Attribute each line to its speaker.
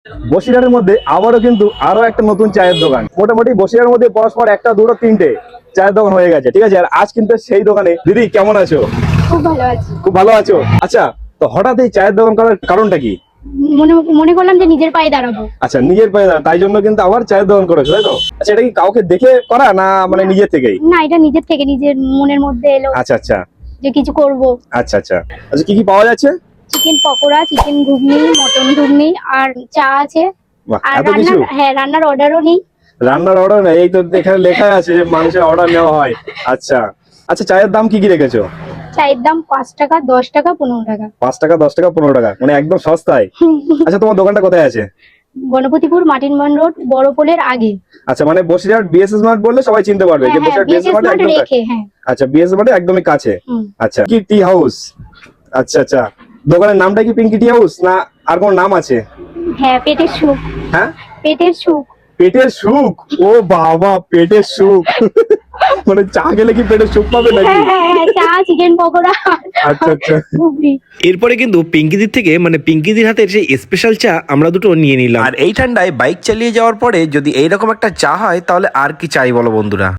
Speaker 1: বসিরহাটের মধ্যে আবারও কিন্তু আরো একটা নতুন চায়ের দোকান। মোটামুটি বসিরহাটের মধ্যে পরস্পর একটা দুটো তিনটে চায়ের দোকান হয়ে গেছে, ঠিক আছে। আর আজ কিন্তু সেই দোকানে। দিদি কেমন আছো?
Speaker 2: খুব ভালো আছি।
Speaker 1: খুব ভালো আছো? আচ্ছা, তো হঠাৎ এই চায়ের দোকান করার কারণটা কি?
Speaker 2: মনে মনে করলাম যে নিজের পায়ে দাঁড়াবো।
Speaker 1: আচ্ছা, নিজের পায়ে দাঁড়া, তাই জন্য কিন্তু আবার চায়ের দোকান করেছো, তাই তো? আচ্ছা, এটা কি কাউকে দেখে করা না মানে নিজের থেকেই?
Speaker 2: না, এটা নিজের থেকে, নিজের মনের মধ্যে এলো
Speaker 1: আচ্ছা আচ্ছা
Speaker 2: যে কিছু করব।
Speaker 1: আচ্ছা আচ্ছা আচ্ছা, কি কি পাওয়া যাচ্ছে?
Speaker 2: চিকেন পকোড়া, চিকেন ঘুগনি, মটন ঘুগনি, আর চা আছে।
Speaker 1: বাহ,
Speaker 2: আর
Speaker 1: এত কিছু!
Speaker 2: রান্নার অর্ডারও নেই।
Speaker 1: রান্নার অর্ডার নেই? এই তো এখানে লেখা আছে যে মানুষের অর্ডার নেওয়া হয়। আচ্ছা আচ্ছা, চায়ের দাম কি কি রেখেছো?
Speaker 2: চায়ের দাম 5 টাকা, 10 টাকা, 15 টাকা।
Speaker 1: 5 টাকা, 10 টাকা, 15 টাকা, মানে একদম সস্তায়। আচ্ছা, তোমার দোকানটা কোথায় আছে?
Speaker 2: গণপতিপুর মাটিনবান রোড, বড় পোলের আগে।
Speaker 1: আচ্ছা, মানে বসিরহাট বিএসএস মার্ট বললে সবাই চিনতে পারবে যে বসিরহাট বিএসএস মার্ট একদম
Speaker 2: রেখে, হ্যাঁ।
Speaker 1: আচ্ছা, বিএসএস মার্টে একদমই কাছে। আচ্ছা, কি টি হাউস? আচ্ছা আচ্ছা, দোকানের নামটা কি পিঙ্কি টি হাউস না আর কোন নাম আছে?
Speaker 2: হ্যাঁ, পেটের সুখ।
Speaker 1: হ্যাঁ,
Speaker 2: পেটের সুখ।
Speaker 1: পেটের সুখ? ও বাবা, পেটের সুখ! মানে চা খেলে কি পেটের সুখ পাবে নাকি?
Speaker 2: হ্যাঁ, চা, চিকেন পকোড়া।
Speaker 1: আচ্ছা আচ্ছা।
Speaker 2: ঘুগনি।
Speaker 3: এরপরে কিন্তু পিঙ্কিদির থেকে মানে পিঙ্কিদির হাতের সেই স্পেশাল চা আমরা দুটো নিয়ে নিলাম। আর এই ঠান্ডায় বাইক চালিয়ে যাওয়ার পরে যদি এইরকম একটা চা হয় তাহলে আর কি চাই বলো বন্ধুরা।